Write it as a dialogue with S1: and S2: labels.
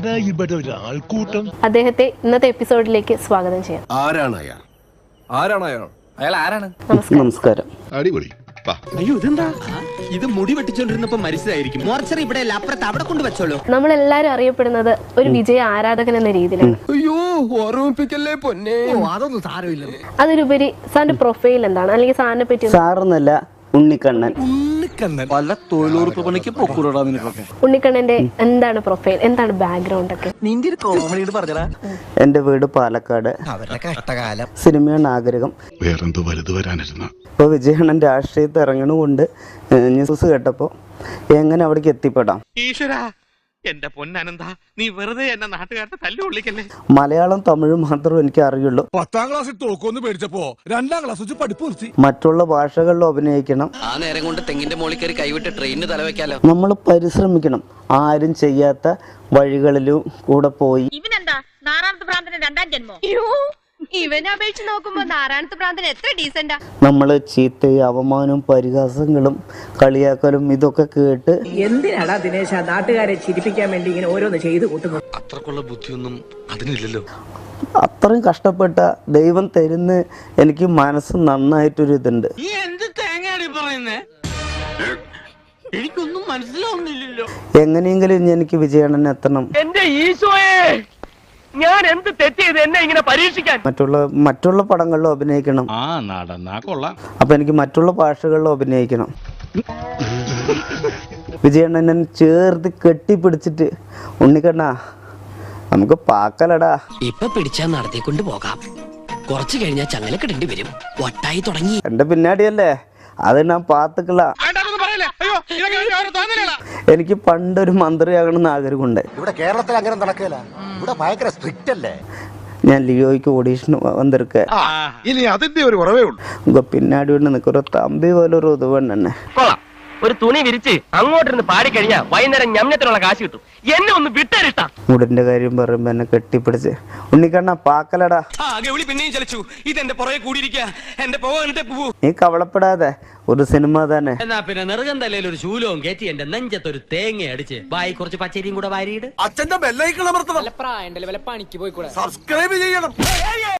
S1: ആരാ ഇവിടെ ഒരാൾക്കൂട്ടം?
S2: അദ്ദേഹത്തെ ഇന്നത്തെ എപ്പിസോഡിലേക്ക് സ്വാഗതം ചെയ്യാം.
S3: അയാൾ ആരാണ്?
S4: നമസ്കാരം.
S1: അടിപൊളി.
S3: അയ്യോ ഇതെന്താ? ഇത് മുടി വെട്ടിച്ചോണ്ടിരുന്നപ്പോ മരിച്ചതായിരിക്കും. മോർച്ചറി ഇവിടെ അപ്പുറത്ത് അവിടെ കൊണ്ട് വെച്ചോളൂ.
S2: നമ്മളെല്ലാരും അറിയപ്പെടുന്നത് ഒരു വിജയ ആരാധകൻ എന്ന രീതിയിലാണ്.
S3: അയ്യോ ഓർമ്മിപ്പിക്കല്ലേ പൊന്നെ. അതൊന്നും സാരമില്ല.
S2: അതിലുപരി സാറിന്റെ പ്രൊഫൈൽ എന്താണ്, അല്ലെങ്കിൽ സാറിനെ പറ്റി?
S4: സാറെന്നല്ല, ഉണ്ണിക്കണ്ണൻ.
S3: പല തൊഴിലുറപ്പ് പണിക്ക് പൊക്കൂടാ നിനക്കൊക്കെ.
S2: ഉണ്ണിക്കണ്ണന്റെ എന്താണ് പ്രൊഫൈൽ, എന്താണ് ബാക്ക്ഗ്രൗണ്ട് ഒക്കെ?
S3: നിന്റെ ഒരു കോമഡി പറഞ്ഞടാ.
S4: എന്റെ വീട് പാലക്കാട്.
S3: അവരുടെ കഷ്ടകാലം.
S4: സിനിമയാണ് ആഗ്രഹം.
S1: വേറെന്തോ വലുത് വരാനിരുന്ന.
S4: ഇപ്പൊ വിജയണ്ണൻ രാഷ്ട്രീയത്തിൽ ഇറങ്ങണുകൊണ്ട് ന്യൂസ് കേട്ടപ്പോ എങ്ങനെ അവിടേക്ക് എത്തിപ്പെടാം?
S5: ഈശ്വരാ, എന്റെ പൊന്നനന്ത, നീ വെറുതെ എന്നെ നാട്ടുകാരുടെ തല്ലുകൊള്ളിക്കല്ലേ.
S4: മലയാളം തമിഴ് മാത്രമേ എനിക്ക് അറിയുള്ളൂ.
S6: 10ാം ക്ലാസ്സിൽ തോക്കൊന്ന് പേടിച്ചപ്പോ 2ാം ക്ലാസ് വെച്ച് പഠിപ്പ് നിർത്തി.
S4: മറ്റുള്ള ഭാഷകളിൽ അഭിനയിക്കണം.
S7: ആ നേരം കൊണ്ട് തെങ്ങിന്റെ മോളിൽ കയറി കൈവിട്ട് ട്രെയിനിന് തലവെക്കാലോ.
S4: നമ്മൾ പരിശ്രമിക്കണം. ആരും ചെയ്യാത്ത വഴികളിലും കൂടെ പോയി.
S8: ഇവനെന്താ നാരായണത്ത് ഭ്രാന്തന് 2ാം ജന്മോ? ഇവനെ അപേക്ഷിച്ച് നോക്കുമ്പോ നാരായണത്ത് ഭ്രാന്തൻ എത്ര ഡീസന്റാ.
S4: നമ്മൾ ചീത്തയും അവമാനവും പരിഹാസങ്ങളും കളിയാക്കലും ഇതൊക്കെ കേട്ട്
S9: എന്തിനാടാ ദിനേശ നാട്ടുകാരെ ചിരിപ്പിക്കാൻ വേണ്ടി ഇങ്ങനെ ഓരോന്ന് ചെയ്തു കൂട്ടുന്നത്?
S7: അത്രക്കുള്ള ബുദ്ധിയൊന്നും അതിനില്ലല്ലോ.
S4: അത്രയും കഷ്ടപ്പെട്ട ദൈവം തരുന്ന എനിക്ക് മനസ്സ് നന്നായിട്ടൊരു ഇതുണ്ട്.
S5: നീ എന്ത് തേങ്ങയാണ് പറയുന്നേ? എനിക്കൊന്നും മനസ്സിലാവുന്നില്ലല്ലോ.
S4: എങ്ങനെയെങ്കിലും എനിക്ക് വിജയണ്ണൻ എത്തണം.
S5: എന്റെ ഈശോയെ, ഞാൻ എന്ത് തെറ്റ് ചെയ്ത് എന്നെ ഇങ്ങനെ പരീക്ഷിക്കാൻ?
S4: മറ്റുള്ള പടങ്ങളിലും അഭിനയിക്കണം. അപ്പൊ എനിക്ക് മറ്റുള്ള ഭാഷകളിലും അഭിനയിക്കണം. വിജയണ്ണനെ ചേർത്ത് കെട്ടിപ്പിടിച്ചിട്ട് ഉണ്ണിക്കണ്ണാ നമുക്ക് പാക്കലടാ.
S7: ഇപ്പൊ പിടിച്ചാൽ നടത്തിക്കൊണ്ട് പോകാം. കുറച്ചു കഴിഞ്ഞാൽ ചങ്ങലക്കിടേണ്ടി വരും. ഒട്ടായി തുടങ്ങി.
S4: എന്റെ പിന്നാടിയല്ലേ, അത് ഞാൻ പാത്തുക്കള. എനിക്ക് പണ്ടൊരു മന്ത്രിയാകണമെന്ന് ആഗ്രഹമുണ്ട്.
S6: ഇവിടെ കേരളത്തിൽ അങ്ങനെ നടക്കില്ല. ഇവിടെ ഭയങ്കര സ്ട്രിക്റ്റ് അല്ലേ.
S4: ഞാൻ ലിയോയ്ക്ക് ഓഡീഷന് വന്നിരിക്ക.
S1: ഇനി അതിന്റെ ഒരു കുറവേ ഉള്ളൂ.
S4: ഉங்க പിന്നാടി കൊണ്ട് നിൽക്കൊരു തമ്പി പോലെ ഒരു ഉതവൻ തന്നെ.
S5: ഒരു തുണി വിരിച്ച് അങ്ങോട്ടിരുന്ന് പാടിക്കഴിഞ്ഞാ വൈകുന്നേരം ഞമ്മത്തിനുള്ള കാശ് കിട്ടും. എന്നെ ഒന്ന് വിട്ടേരിട്ടാ.
S4: മുടിന്റെ കാര്യം പറയുമ്പോ എന്നെ കെട്ടിപ്പിടിച്ച് ഉണ്ണിക്കണ്ണ പാക്കലടാ.
S7: പിന്നെയും ചലിച്ചു. ഇതെന്റെ പുറകെ കൂടിയിരിക്കുക. എന്റെ പോകട്ടെ പോ.
S4: നീ കവളപ്പെടാതെ, ഒരു സിനിമ തന്നെ.
S7: എന്നാ പിന്നെ നെറുകം തലയിൽ ഒരു ശൂലവും കയറ്റി എന്റെ നെഞ്ചത്തൊരു തേങ്ങ അടിച്ച് ബായി കുറച്ച് പച്ചരിയും കൂടെ വാരിയിട്.
S6: അച്ഛന്റെ ബെല്ലൈക്കൾ അമർത്തണം.
S7: പ്രായം പണിക്ക് പോയിക്കൂടെ.
S6: സബ്സ്ക്രൈബ് ചെയ്യണം.